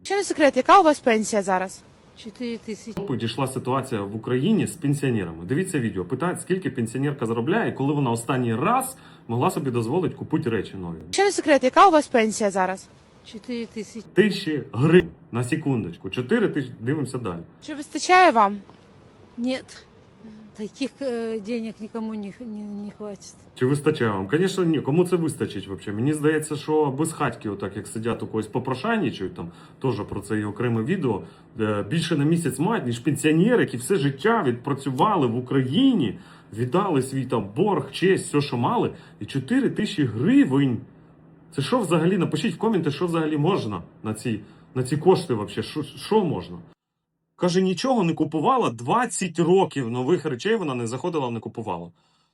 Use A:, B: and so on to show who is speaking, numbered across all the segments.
A: Чи не секрет, яка у вас пенсія зараз?
B: 4 тисячі.
C: Дійшла ситуація в Україні з пенсіонерами. Дивіться відео, питають, скільки пенсіонерка заробляє, і коли вона останній раз могла собі дозволити купити речі нові.
A: Чи не секрет, яка у вас пенсія зараз?
B: 4 тисячі.
C: 1000 гривень на секундочку. 4 тисячі, дивимося далі.
A: Чи вистачає вам?
B: Нет. Таких денег никому не хватит.
C: Чи вистачає вам? Звісно, ні. Кому це вистачить взагалі? Мені здається, що без хатьки, отак як сидять у когось попрошайничають, там теж про це є окреме відео, більше на місяць мають, ніж пенсіонери, які все життя відпрацювали в Україні, віддали свій там борг, честь, все, що мали, і 4 тисячі гривень. Це що взагалі? Напишіть в коменти, що взагалі можна на ці кошти взагалі, що можна? Каже, нічого не купувала, 20 років нових речей вона не заходила, не купувала.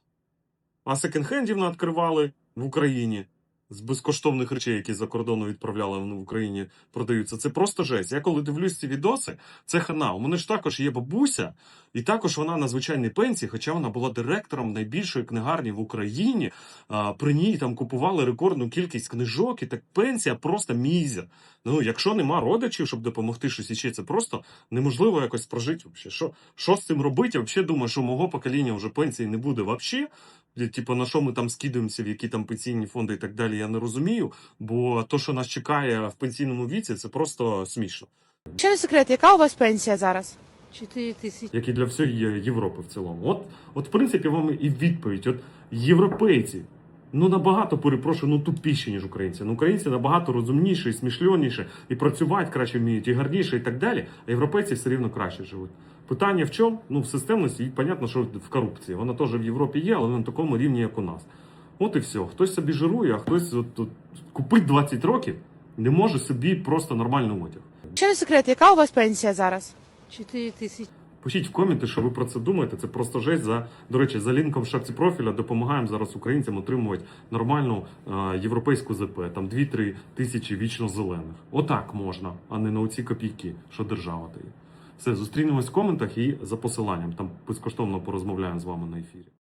C: А секонд-хендів не відкривали в Україні з безкоштовних речей, які за кордону відправляли, вони в Україні продаються. Це просто жесть. Я коли дивлюсь ці відоси, це хана. У мене ж також є бабуся, і також вона на звичайній пенсії, хоча вона була директором найбільшої книгарні в Україні. При ній там купували рекордну кількість книжок, і так пенсія просто мізер. Ну, якщо нема родичів, щоб допомогти щось іще, це просто неможливо якось прожити. Що з цим робити? Я взагалі думаю, що мого покоління вже пенсії не буде взагалі. Типу, на що ми там скидаємося, в які там пенсійні фонди і так далі, я не розумію. Бо то, що нас чекає в пенсійному віці, це просто смішно.
A: Чи не секрет, яка у вас пенсія зараз?
B: 4 тисячі.
C: Як і для всієї Європи в цілому. От в принципі, вам і відповідь. От європейці, набагато, перепрошую, тупіші, ніж українці. Українці набагато розумніші, і смішльоніші, і працювати краще вміють, і гарніше, і так далі. А європейці все рівно краще живуть. Питання в чому? В системності, і понятно, що в корупції. Вона теж в Європі є, але не на такому рівні, як у нас. От і все. Хтось собі жирує, а хтось купить 20 років, не може собі просто нормально одяг.
A: Чи не секрет, яка у вас пенсія зараз?
B: 4 тисячі.
C: Пишіть в коменти, що ви про це думаєте. Це просто жесть. До речі, за лінком в шапці профіля допомагаємо зараз українцям отримувати нормальну європейську ЗП. Там 2-3 тисячі вічно зелених. Отак можна, а не на оці копійки, що держава дає. Все, зустрінемось в коментах і за посиланням. Там безкоштовно порозмовляємо з вами на ефірі.